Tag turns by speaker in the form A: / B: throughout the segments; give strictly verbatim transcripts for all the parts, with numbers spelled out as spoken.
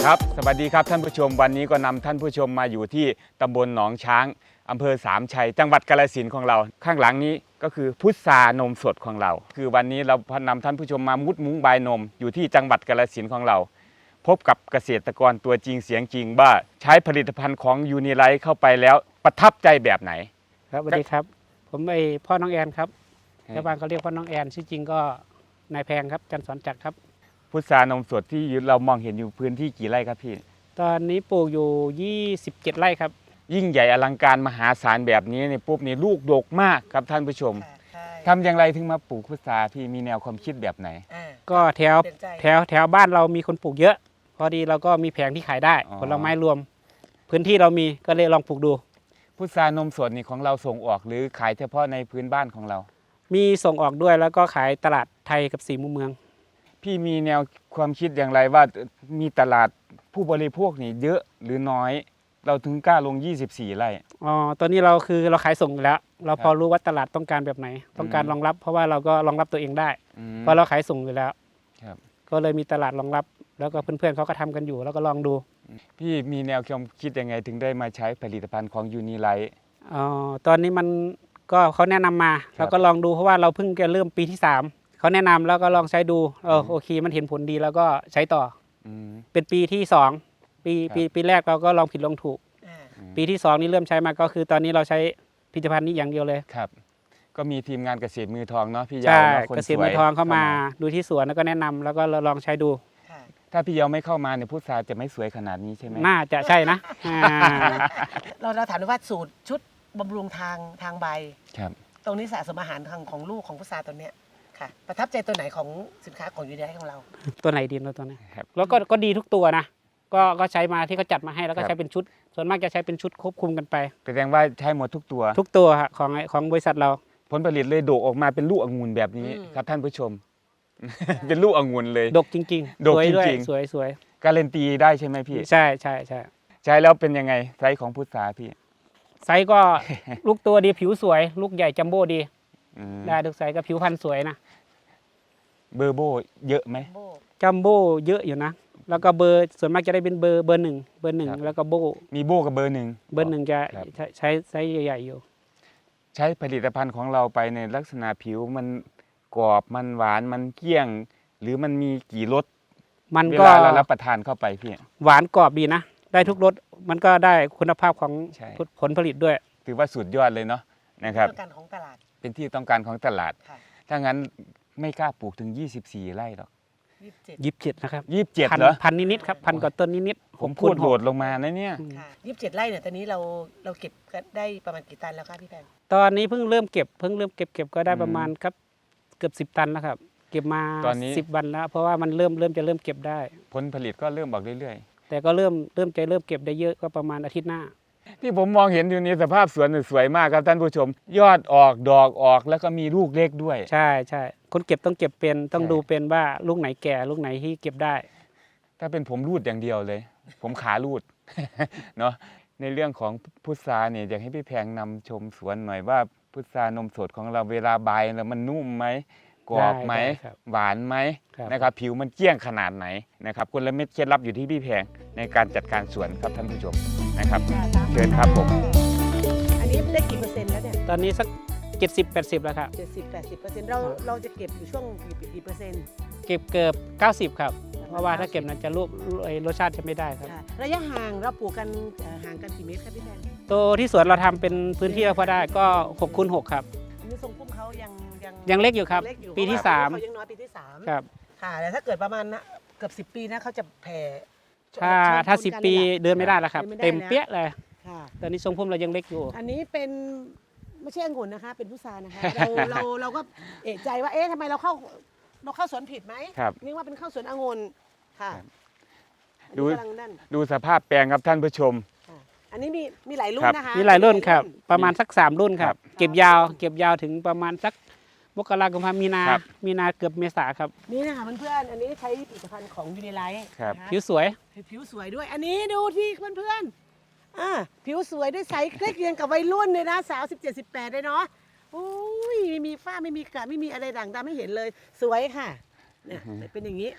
A: ครับสวัสดีครับท่านผู้ชมวันนี้ก็นำท่านผู้ชมมาอยู่ที่ตำบลหนองช้างอำเภอสามชัยจังหวัดกาฬสินธุ์ของเราข้างหลังนี้ก็คือพุทรานมสดของเรา คือวันนี้เราพานำท่านผู้ชมมามุดมุ้งบายนมอยู่ที่จังหวัดกาฬสินธุ์ของเรา พบกับเกษตรกรตัวจริงเสียงจริงว่าใช้ผลิตภัณฑ์ของยูนิไลท์เข้าไปแล้วประทับใจแบบไหน
B: ครับสวัสดีครับผมไอพ่อน้องแอนครับชาวบ้านเขาเรียกพ่อน้องแอนชื่อจริงก็นายแพงครับจันทร์สอนจักรครับ
A: พุทรานมสดที่เรามองเห็นอยู่พื้นที่กี่ไร่ครับพี่
B: ตอนนี้ปลูกอยู่ยี่สิบเจ็ดไร่ครับ
A: ยิ่งใหญ่อลังการมหาศาลแบบนี้เนี่ยปุ๊บนี่ลูกดกมากครับท่านผู้ชมทำอย่างไรถึงมาปลูกพุทราพี่มีแนวความคิดแบบไหน
B: ก็แถวแถวแถวบ้านเรามีคนปลูกเยอะพอดีเราก็มีแผงที่ขายได้ผลไม้รวมพื้นที่เรามีก็เลยลองปลูกดู
A: พุทรานมสดนี่ของเราส่งออกหรือขายเฉพาะในพื้นบ้านของเรา
B: มีส่งออกด้วยแล้วก็ขายตลาดไทยกับสี่มุมเมือง
A: พี่มีแนวความคิดอย่างไรว่ามีตลาดผู้บริโภคนี่เยอะหรือน้อยเราถึงกล้าลงยี่สิบสี่ไร่
B: อ๋อตอนนี้เราคือเราขายส่งแล้วเราพอรู้ว่าตลาดต้องการแบบไหนต้องการรองรับเพราะว่าเราก็รองรับตัวเองได้เพราะเราขายส่งอยู่แล้วก็เลยมีตลาดรองรับแล้วก็เพื่อนๆเขาก็ทำกันอยู่แล้วก็ลองดู
A: พี่มีแนวความคิดยังไงถึงได้มาใช้ผลิตภัณฑ์ของยูนิไลท์
B: อ๋อตอนนี้มันก็เขาแนะนำมาเราก็ลองดูเพราะว่าเราเพิ่งจะเริ่มปีที่สามเขาแนะนำแล้วก็ลองใช้ดูเออโอเคมันเห็นผลดีแล้วก็ใช้ต่อเป็นปีที่สองปีปีปีแรกเราก็ลองผิดลองถูกปีที่สองนี่เริ่มใช้มาก็คือตอนนี้เราใช้ผลิตภัณฑ์นี้อย่างเดียวเลย
A: ครับก็มีทีมงานเกษตรมือทองเนาะพี่ยาว
B: ใช่เกษตรมือทองเข้ามาดูที่สวนแล้วก็แนะนำแล้วก็ลองใช้ดู
A: ถ้าพี่ยาวไม่เข้ามาเนี่ยพุทราจะไม่สวยขนาดนี้ใช่ไหม
B: น่าจะใช่นะ
C: เราเราถามว่าสูตรชุดบำรุงทางทางใบ
A: ครับ
C: ตรงนี้สะสมอาหารทางของลูกของพุทราตัวเนี้ยค่ะประทับใจตัวไหนของสินค้าของยูนิไลท์ของเรา
B: ตัวไหนดีเราตัวนี้แล้วก็ก็ดีทุกตัวนะก็ก็ใช้มาที่เขาจัดมาให้แล้วก็ใช้เป็นชุดส่วนมากจะใช้เป็นชุดควบคุมกันไป
A: แสดงว่าใช้หมดทุกตัว
B: ทุกตัวของของบริษัทเรา
A: ผลผลิตเลยโดกออกมาเป็นลูกองุ่นแบบนี้ครับท่านผู้ชมเป็นลูกองุ่นเลย
B: ดกจริงๆ
A: ดกจริง
B: ๆสวยสวย
A: การันตีได้ใช่ไหมพี่
B: ใช่ใช่ใช่
A: ใช้แล้วเป็นยังไงไซส์ของพุทราพี่
B: ไซส์ก็ลูกตัวดีผิวสวยลูกใหญ่จัมโบ้ดีได้ทุกไซส์ก็ผิวพรรณสวยนะ
A: เบอร์โบเยอะไหม
B: จัมโบ้เยอะอยู่นะแล้วก็เบอร์ส่วนมากจะได้เป็นเบอร์เบอร์หนึ่งเบอร์หนึ่งแล้วก็โบ
A: มีโบกับเบอร์หนึ่ง
B: เบอร์หนึ่งจะใช้ไซส์ใหญ่ๆอยู่
A: ใช้ผลิตภัณฑ์ของเราไปในลักษณะผิวมันกรอบมันหวานมันเกลี้ยงหรือมันมีกี่รส
B: มันก็
A: เวลาเรารับประทานเข้าไปพี่
B: หวานกรอบดีนะได้ทุกรสมันก็ได้คุณภาพของผลผลิตด้วย
A: ถือว่าสุดยอดเลยเนาะนะครับ
C: ต้องการของตลาด
A: เป็นที่ต้องการของตลาดถ้างั้นไม่กล้าปลูกถึงยี่สิบสี่ไร่หรอก
B: ยี่สิบเจ็ดนะครับ
A: ยี่สิบเจ็ดเหรอ
B: พันนิดๆครับพันกว่าต้นนิด
A: ๆผมพูดโหดลงมานะเนี่ย
C: ยี่สิบเจ็ดไร่เนี่ยตอนนี้เราเราเก็บได้ประมาณกี่ตันแล้วครับพี่แพง
B: ตอนนี้เพิ่งเริ่มเก็บเพิ่งเริ่มเก็บเก็บก็ได้ประมาณครับเกือบสิบตันแล้วครับเก็บมา
A: ตอนนี้
B: สิบวันแล้วเพราะว่ามันเริ่มเริ่มจะเริ่มเก็บได้
A: ผลผลิตก็เริ่มออกเรื่อย
B: ๆแต่ก็เริ่มเริ่มจะเริ่มเก็บได้เยอะก็ประมาณอาทิตย์หน้า
A: ที่ผมมองเห็นอยู่นี้สภาพสวนสวยมากครับท่านผู้ชมยอดออกดอกออกแล้วก็มีลูกเล็กด้วย
B: ใช่ใช่คนเก็บต้องเก็บเป็นต้องดูเป็นว่าลูกไหนแก่ลูกไหนที่เก็บได้
A: ถ้าเป็นผมรูดอย่างเดียวเลยผมขารูดเนาะในเรื่องของพุทราเนี่ยอยากให้พี่แพงนำชมสวนหน่อยว่าพุทรานมสดของเราเวลาใบแล้วมันนุ่มไหมกรอบไหมหวานไหมนะครับผิวมันเกลี้ยงขนาดไหนนะครับกลเม็ดเคล็ดลับอยู่ที่พี่แพงในการจัดการสวนครับท่านผู้ชมนะครับเชิญครับผม
C: อันนี้ได้กี่เปอร์เซ็นต์แล้วเนี่ย
B: ตอนนี้สักเจ็ดสิบแปดสิบแล้วครับ
C: เจ็ดสิบแปดสิบเปอร์เซ็นต์เราเราจะเก็บอยู่ช่วงกี่เปอร์เซ็นต์
B: เก็บเกือบเก้าสิบครับเพราะว่าถ้าเก็บนั้นจะรูปรสชาติจะไม่ได้ครับ
C: ระยะห่างเราปลูกกันห่างกันกี่เมตรครับพี่แพง
B: ตัวที่สวนเราทำเป็นพื้นที่พอได้ก็หกคูณหกครับ
C: นี่ทรงพุ่มเขายัง
B: ยังยังเล็กอยู่ครับปีที่สาม
C: เขายังน้อยปีที่สาม
B: ครับ
C: ค่ะแต่ถ้าเกิดประมาณเกือบสิบปีนะเขาจะแผ่
B: ถ้าถ้าสิบปีเดินไม่ได้แล้วครับเต็มเปี้ยเลยตอนนี้ทรงพุ่มเรายังเล็กอยู่
C: อันนี้เป็นไม่ใช่องุ่นนะคะเป็นพุทรานะคะเราเราเราก็เอะใจว่าเอ๊ะทำไมเราเข้าเราเข้าสวนผิดไหมนึกว่าเป็นเข้าสวนองุ่นค่ะ
A: ดูดูสภาพแปลงครับท่านผู้ชม
C: อันนี้มีมีหลายรุ่นนะคะ
B: มีหลายรุ่นครับประมาณสักสามรุ่นครับเก็บยาวเก็บยาวถึงประมาณสักมกราคมมีนามีนาเกือบเมษาครับ
C: นี่นะคะเพื่อนๆอันนี้ใช้ผลิตภัณฑ์ของยูนิไลท์
B: ผิวสวย
C: ผิวสวยด้วยอันนี้ดูที่เพื่อนๆอ่าผิวสวยด้วยใสใกล้เคียงกับวัยรุ่นเลยนะสาวสิบเจ็ดสิบแปดเลยเนาะโอ้ยไม่มีฝ้าไม่มีกระไม่มีอะไรด่างดำไม่เห็นเลยสวยค่ะเนี่ยเป็นอย่างนี้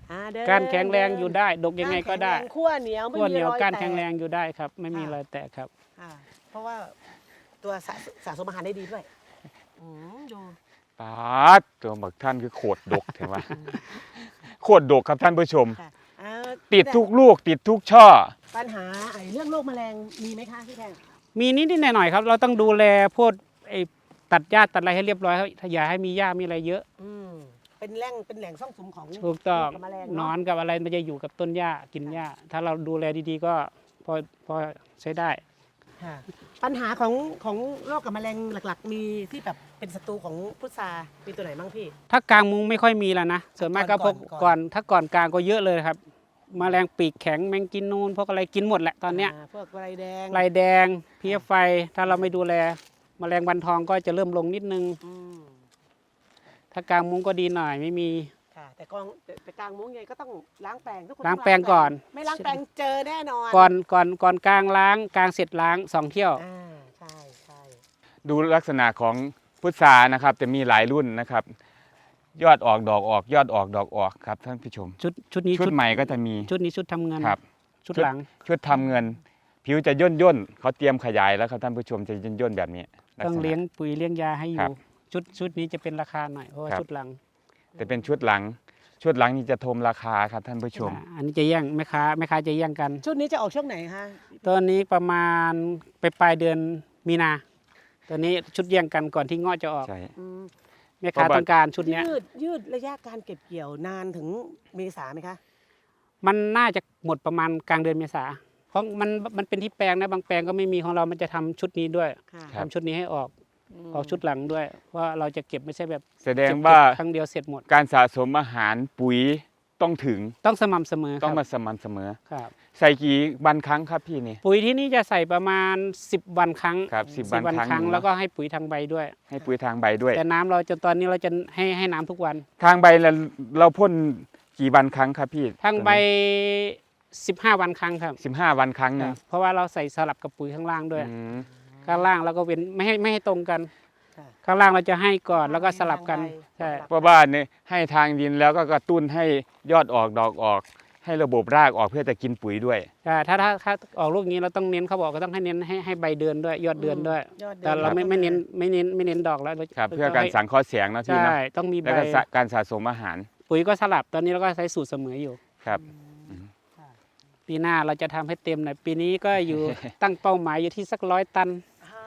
C: อ่าเดิน
B: ก้านแข็งแรงอยู่ได้ ดกยังไงก็ได้
C: ก้านแข็งแรงขั้วเหนียวไม่
B: ขั้ว
C: มี
B: เหนียว
C: รอย
B: ก้าน
C: แต
B: แข็งแรงอยู่ได้ครับ ไม่มี
C: ค่ะ
B: รอยแตกครับ
C: อ่าเพราะว่าตัวสะสะสมอาหารได้ดีด้วยอืมดู
A: ปาดตัวบักท่านคือโคตรดกเห็นไหมโคตรดกครับท่านผู้ชม
C: ค่ะอ่า
A: ติดทุกลูกติดทุกช่อ
C: ปัญหาไอ้เรื่องโรคแมลงมีไหมคะพี่แพง
B: มีนิดๆหน่อยๆครับ เราต้องดูแลพวกไอ้ตัดหญ้าตัดอะไรให้เรียบร้อยครับอย่าให้มีหญ้ามีอะไรเยอะ
C: อืมเป็นแหล่งเป็นแหล่งซ่องสุมของ
B: ถูกต้อง
C: โรคบแมลง
B: นอนกับอะไรมันจะอยู่กับต้นหญ้ากินหญ้า ถ้าเราดูแลดีๆก็พอพอใช้ได้
C: ค่ะปัญหาของของโรคกับแมลงหลักๆ มีที่แบบเป็นศัตรูของพุทรามีตัวไหนบ้างพี่
B: ถ้ากลางมุ้งไม่ค่อยมีแล้วนะส่วนมากก็พวก
C: ก่อนก่อน
B: ก่อนถ้าก่อนกลางก็เยอะเลยครับแมลงปีกแข็งแมงกินนูนพวกอะไรกินหมดแหละตอนเนี้ย
C: าพวกไรแดง
B: ลายแดงเพี้ยไฟถ้าเราไม่ดูแลแมลงวันทองก็จะเริ่มลงนิดนึง
C: อืม
B: ถ้ากลางมุ้งก็ดีหน่อยไม่มี
C: ค่ะแต่กองแต่แต่กลางมุ้งไงก็ต้องล้างแปรงทุกคน
B: ล้างแปรงก่อน
C: ไม่ล้างแปรงเจอแน่นอน
B: ก่อนก่อนก่อนกลางล้างกลางเสร็จล้างสองเที่ยว
C: อ่าใช่ใช่
A: ดูลักษณะของพุทรานะครับจะมีหลายรุ่นนะครับ ยอดออกดอกออก ยอดออกดอกออกครับท่านผู้ชม
B: ชุดชุดนี้
A: ชุดใหม่ก็จะมี
B: ชุดนี้ชุดทำเงิน
A: ครับ
B: ชุดหลัง
A: ชุดทำเงิน ผิวจะย่นย่นๆเขาเตรียมขยายแล้วครับท่านผู้ชมจะย่นย่นๆแบบนี้ลัก
B: ต้อง
A: ษณะ
B: เลี้ยงปุ๋ยเลี้ยงยาให้อ
A: ครั
B: ยู่
A: บ
B: ชุดชุดนี้จะเป็นราคาหน่อยเพราะว่า
A: ครับ
B: ชุดหลัง
A: แต่เป็นชุดหลัง ชุดหลังนี่จะทมราคาครับท่านผู้ชม
B: อ่าอันนี้จะแย่งแม่ค้าแม่ค้าจะแย่งกัน
C: ชุดนี้จะออกช่วงไหนคะ
B: ตอนนี้ประมาณไปปลายเดือนมีนาตอนนี้ชุดแย่งกันก่อนที่เงาะจะออก
A: ใช่
C: อืม
B: แม่ค้า
A: เพราะว่า
B: ต้องการชุดเนี้ย
C: ยืดยืดระยะการเก็บเกี่ยวนานถึงเมษาไหมคะ
B: มันน่าจะหมดประมาณกลางเดือนเมษาเพราะมันมันเป็นที่แปลงนะบางแปลงก็ไม่มีของเรามันจะทำชุดนี้ด้วย
C: ค่ะ
A: ครับ
B: ทำชุดนี้ให้ออกออกชุดหลังด้วยว่าเราจะเก็บไม่ใช่แบบ
A: แสดง
B: เก็บ
A: ว่า
B: เก็บครั้งเดียวเสร็จหมด
A: การสะสมอาหารปุ๋ยต้องถึง
B: ต้องสม่ำเสมอ
A: ต้อง
B: ค
A: มา
B: รับ
A: สม่ำเสมอ
B: ครับ
A: ใส่กี่วันครั้งครับพี่นี่
B: ปุ๋ยที่นี่จะใส่ประมาณสิบวันครั้ง
A: ครับสิบวันครั้ง
B: ครั้ง
A: หนึ่ง
B: แล้วก็ให้ปุ๋ยทางใบด้วย
A: ให้ปุ๋ยทางใบด้วย
B: แต่น้ำเราจนตอนนี้เราจะให้ให้น้ำทุกวัน
A: ทางใบเราเราพ่นกี่วันครั้งครับพี่
B: ทางใบสิบห้าวันครั้งครับ
A: สิบห้าวันครั้งหนึง
B: เพราะว่าเราใส่สลับกับปุ๋ยข้างล่างด้วย
A: อืม
B: ข้างล่างเราก็เว้นไม่ให้ไม่ให้ตรงกัน
C: ค่ะ
B: ข้างล่างเราจะให้ก่อนแล้วก็สลับกัน
C: ให้
B: ใช่
C: ทางใบ
A: เพราะว่าเนี่ยให้ทางดินแล้วก็กระตุ้นให้ยอดออกดอกออก ให้ระบบรากออกเพื่อจะกินปุ๋ยด้วย
B: ใช่ถ้าถ้าถ้าออกลูกนี้เราต้องเน้นเขาบอกก็ต้องให้เน้นให้ให้ใบเดือนด้วย ยอดเดือนด้วย
C: ยอดดือน
B: แต่เราไม่ไม่เน้นไม่เน้นไม่เน้นดอกแล้ว
A: ครับ เพื่อการสังเคราะห์แสงนะพี่
B: ใช่
A: นะ
B: ต้องมีใบ
A: แล้วก็สะการสะสมอาหาร
B: ปุ๋ยก็สลับตอนนี้เราก็ใช้สูตรเสมออยู่
A: ครับ
C: ค่ะ
B: ปีหน้าเราจะทำให้เต็มหน่อยปีนี้ก็อยู่ ตั้งเป้าหมายอยู่ที่สักร้อยตัน
C: อ้าว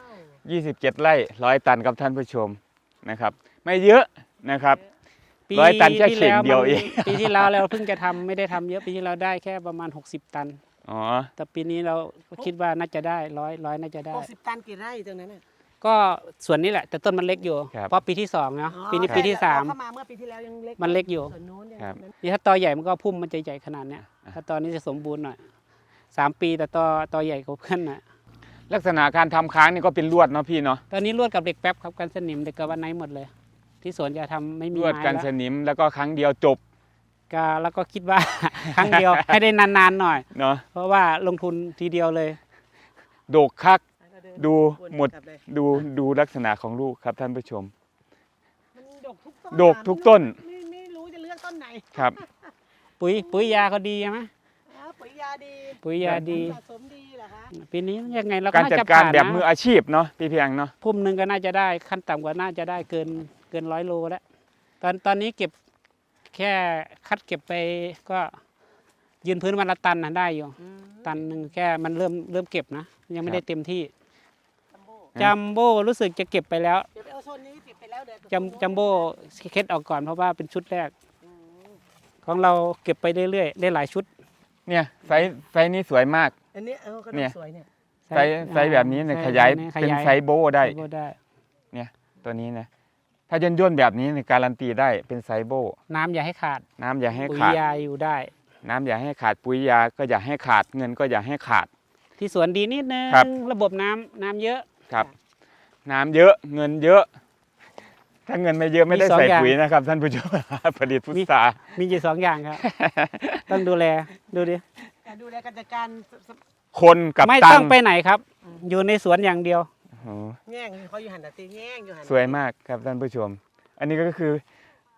A: ยี่สิบเจ็ดไร่ร้อยตันครับท่านผู้ชมนะครับ ไม่เยอะนะครับ
B: ปี
A: ร้อยตันแค่
B: ที่
A: เข่ง
B: แล้ว
A: เดียว
B: มัน
A: เอง
B: ปีที่แล้วเราเพิ่งจะทำไม่ได้ทำเยอะปีที่เราได้แค่ประมาณหกสิบตัน
A: อ๋อ
B: แต่ปีนี้เราคิดว่าน่าจะได้ร้อยร้อยน่าจะได้
C: หกสิบตันกี่ไร่ตรงนั้นน่ะ
B: ก็ส่วนนี้แหละ แต่ต้นมันเล็กอยู่
A: ครับ
B: เพราะปีที่สองเนาะ
C: อ๋อ
B: ปีนี้
C: ใช่
B: ปีที่สาม
C: เรเข้ามาเมื่อปีที่แล้วยังเล็ก
B: มันเล็กอยู่
C: ส่วนนู้นยัง
A: ครับ
C: นั้น
B: นี่ถ้าตอใหญ่มันก็พุ่มมันจะใหญ่ขนาดเนี้ยถ้าตอนนี้จะสมบูรณ์หน่อยสามปีแต่ตอตอใหญ่กว่าเพื่อนน่ะ
A: ลักษณะการทำค้างนี่ก็เป็นลวดเนาะพี่เนาะ
B: ตอนนี้ลวดกับเด็กแป๊บครับกันสนิมเด็กกับวันไหนหมดเลย ที่สวนจะทำไม่มี
A: ลวด
B: ไม้
A: กัน
B: แล้ว
A: สนิมแล้วก็ครั้งเดียวจบ
B: ก็แล้วก็คิดว่า ครั้งเดียวให้ได้นานๆหน่อย
A: เนาะ
B: เพราะว่าลงทุนทีเดียวเลย
A: โดกคัก
C: แล้วก็เน
A: ดู
C: วน
A: หมด
C: กลับเลย
A: ดูดูลักษณะของลูกครับท่านผู้ชม
C: มันดกทุกต้น
A: ดกทุกต้น
C: ไม่ไม่รู้จะเลือกต้นไหน
A: ครับ
B: ปุ๋ยปุ๋ยยาเขาดีใช่ไหม
C: อ้าวปุ๋ยยาดี
B: ปุ๋ยยาดี
C: สะสมดีเหรอคะ
B: ปีนี้ยังไงเราก็
A: การ
B: น่า
A: จัด
B: จะ
A: การ
B: ผ่าน
A: แบบ
B: นะ
A: มืออาชีพเนาะพี่เพียงเนาะ
B: พุ่มหนึ่งก็น่าจะได้ขั้นต่ำกว่าน่าจะได้เกินเกินร้อยโลแล้วตอนตอนนี้เก็บแค่คัดเก็บไปก็ยืนพื้นวันละตันนะได้อยู่
C: อืม
B: ตันหนึ่งแค่มันเริ่มเริ่มเก็บนะ ยังไม่ได้เต็มที่
C: จัมโบ้
B: จัมโบ้รู้สึกจะเก็บไปแล้ว
C: เดี๋ยวไปเอาโซนนี้เก็บไปแล้วเดี๋ยว
B: จัมจัมโบ้เคล็ดออกก่อนเพราะว่าเป็นชุดแรก
C: อืม
B: ของเราเก็บไปเรื่อยๆได้หลายชุด
A: เนี่ยไซส์ไซส์นี้สวยมาก
C: อันนี้เออก็
A: เนี่ย
C: สวยเนี่ย
A: ไซส์ไซส์แบบนี้เนี่ย
B: ใช่
A: ขยาย
B: ข
A: เป็น
B: ยาย
A: ไซส์โบได้
B: โบได้
A: ตัวนี้นะถ้าย่นย่นๆแบบนี้เนี่ยการันตีได้เป็นไซส์โบ
B: น้ำอย่าให้ขาด
A: น้ำอย่าให้
B: ปุ๋ย
A: ขาด
B: ยาอยู่ได้
A: น้ำอย่าให้ขาดปุ๋ยยาก็อย่าให้ขาดเงินก็อย่าให้ขาด
B: ที่สวนดีนิดนึง
A: ครับ
B: ระบบน้ำน้ำเยอะ
A: ครับ น้ำเยอะเงินเยอะ ถ้าเงินไม่เยอะไม่ได้
B: มีสอง
A: ใส่
B: อย่าง
A: ปุ๋ยนะครับ ท่านผู้ชม ผลิตพุทรา
B: มีอยู่สองอย่างครับ ต้องดูแลดูดิ
C: การดูแลการจัดการสส
A: คนกับ
B: ไม่
A: ตั
B: ต้อง งไปไหนครับ อยู่ในสวนอย่างเดียว
A: โอ้โห
C: แง่งเขาอยู่หันแต่ตีแง่งอยู่หัน
A: สวยมากครับท่านผู้ชม อันนี้ก็คือ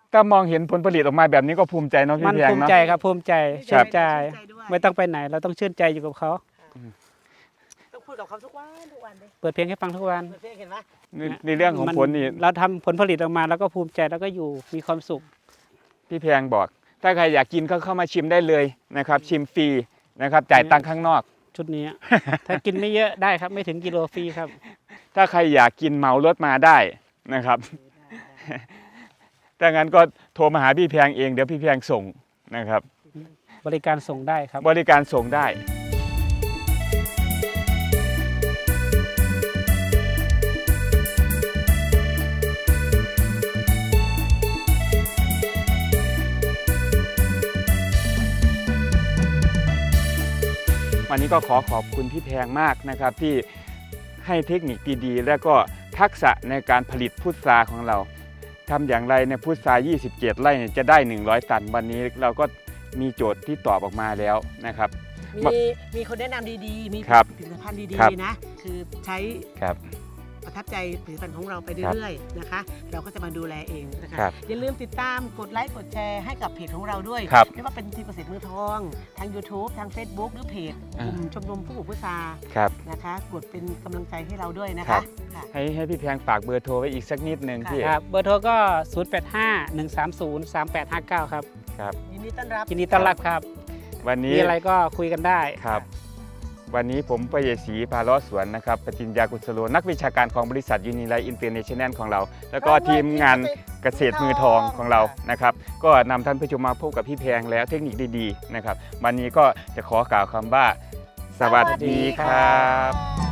A: ถ้ามองเห็นผลผลิตออกมาแบบนี้ก็ภูมิใจเนาะ
B: มั
A: พี่
B: น
A: แพง
B: ภูมิ
A: เนาะ
B: ใจครับภูมิใจ
A: ครั
B: ชื่
A: บ
B: นใจ
C: ด้วย
B: ไม่ต้องไปไหนเราต้องชื่นใจอยู่กับเขา
C: ต้องพูดกับเขาทุกวันทุกวันเลย
B: เปิดเพลงให้ฟังทุกวัน
C: เพื่อนเห็นไหม
A: ในในเรื่องของ
B: มัน
A: ผลนี่
B: เราทำผลผลิตออกมาแล้วก็ภูมิใจแล้วก็อยู่มีความสุข
A: พี่แพงบอก ถ้าใครอยากกินก็เข้ามาชิมได้เลยนะครับชิมฟรีนะครับจ่ายตังค์ข้างนอก
B: ชุดนี้ ถ้ากินไม่เยอะได้ครับไม่ถึงกิโลฟรีครับ
A: ถ้าใครอยากกินเหมารถมาได้นะครับ ถ้างั้นก็โทรมาหาพี่แพงเองเดี๋ยวพี่แพงส่งนะครับ
B: บริการส่งได้ครับ
A: บริการส่งได้ วันนี้ก็ขอขอบคุณพี่แพงมากนะครับที่ให้เทคนิคดีๆ และก็ทักษะในการผลิตพุทราของเราทำอย่างไรในพุทรายี่สิบเจ็ดไร่เนี่ยจะได้หนึ่งร้อยตันวันนี้เราก็มีโจทย์ที่ตอบออกมาแล้วนะครับ
C: มีมีคนแนะนำดีๆ มี
A: ครับ
C: ผลิตภัณฑ์ดี
A: ครับ
C: ๆนะ คือใช้
A: ครับ
C: ประทับใจผลิตภัณฑ์ของเราไปเรื่อยๆนะคะ เราก็จะมาดูแลเองนะคะ
A: ครับ
C: อย่าลืมติดตามกดไลค์กดแชร์ให้กับเพจของเราด้วย
A: ครับ
C: ไม่ว่าเป็นทีมเกษตรมือทอง ทาง YouTube ทาง Facebook หรือเพจกลุ่มชมรมผู้ปลูกพุทรา
A: ครับ
C: นะคะ กดเป็นกำลังใจให้เราด้วยนะ
A: ครั
C: คะ
A: บ
C: ค่ะ
A: ให้ให้พี่แพงฝากเบอร์โทรไว้อีกสักนิดนึง
C: ค่ะ
A: พี่
B: ครับเบอร์โทรก็ ศูนย์ แปด ห้า หนึ่ง สาม ศูนย์ สาม แปด ห้า เก้า ครับ
A: ครับ
C: ยินดีต้อนรับ
B: ยินดีต้อนรับครับ
A: วันนี้
B: มีอะไรก็คุยกันได้
A: ครับ วันนี้ผมปยศรีพาเลาะสวนนะครับปจิญญากุศโลนักวิชาการของบริษัทยูนิไลท์อินเตอร์เนชั่นแนลของเรา แล้วก็ทีมงานเกษตรมือทองของเรานะครับ ก็นำท่านผู้ชมมาพบกับพี่แพงแล้วเทคนิคดีๆนะครับ วันนี้ก็จะขอกล่าวคำว่า สวัสดีครับ